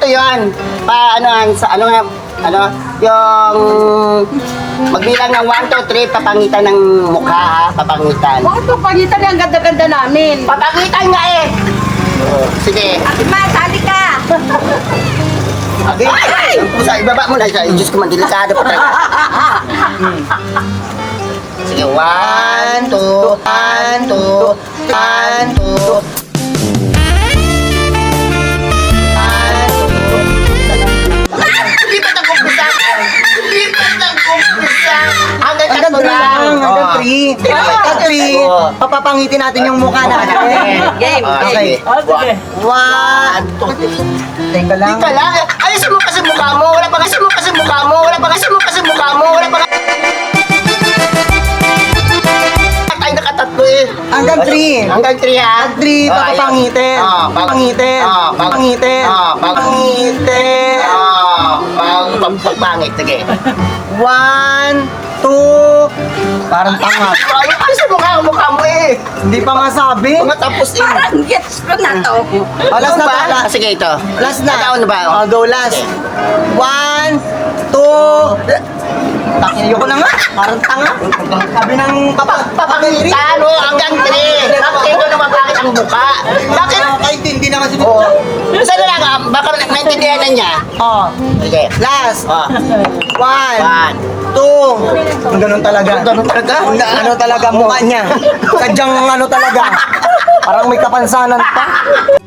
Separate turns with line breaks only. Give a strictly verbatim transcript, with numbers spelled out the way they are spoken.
ganito yon. Pa, ano, sa, ano nga, ano, yung magbilang ng one, two, three, papangitan ng mukha, ha? Papangitan.
Bakit papagitan niya ang ganda-ganda namin?
Papangitan nga eh! Oo, sige.
Ate Ma, sali ka!
Okay. Ang pusa, ibaba mo na siya. Diyos ko man, delikado pa talaga. Hmm. Sige, one, two, one, two, one, two. Lipat ang kumpisa! Lipat ang kumpisa! Hanggang
Hanggang
tatlo
three
lang!
lang, hanggang
Oo.
three.
Oo.
Hanggang three,
Oo.
papapangitin natin yung mukha natin.
Game,
Ah,
game.
sige.
Oh, sige. One,
two,
teka lang.
Teka lang, ayusin mo kasi mukha mo. Wala pa kasi mo kasi mukha mo. Wala pa kasi mo kasi mukha mo. Wala pa kasi... Tayo nakatatlo eh.
Hanggang three.
Hanggang three ha.
Hanggang three,
Oh,
papapangitin.
ayan. Oh, pag-
Pangitin.
Oh, pag-
Pangitin.
Oh, pag-
Pangitin.
Oh, pag pag- pagpangit. Sige.
One, two, parang tanga.
Ay, ayusin mo nga ang mukha mo eh.
Hindi pa nga sabi.
Mga tapos eh.
Parang gets ko na to.
Oh, last
Ano
na
ba?
to.
Ah, sige ito.
Last na.
Ikaw na ba?
Oh, go last. One, two, takiyo ko na nga. Parang tanga. Sabi ng papa, papakiri.
Tano hanggang three. Bakit ko naman bakit ang mukha? Bakit?
Nakakaintindi naman si
Oo. Saan na lang ah? Baka naintindihan na niya.
Oh,
Sige.
last.
Oh.
One,
One.
two. Ang ganun talaga.
Ganun talaga?
Ang ano talaga mukha niya. Sadyang ano talaga. Parang may kapansanan pa.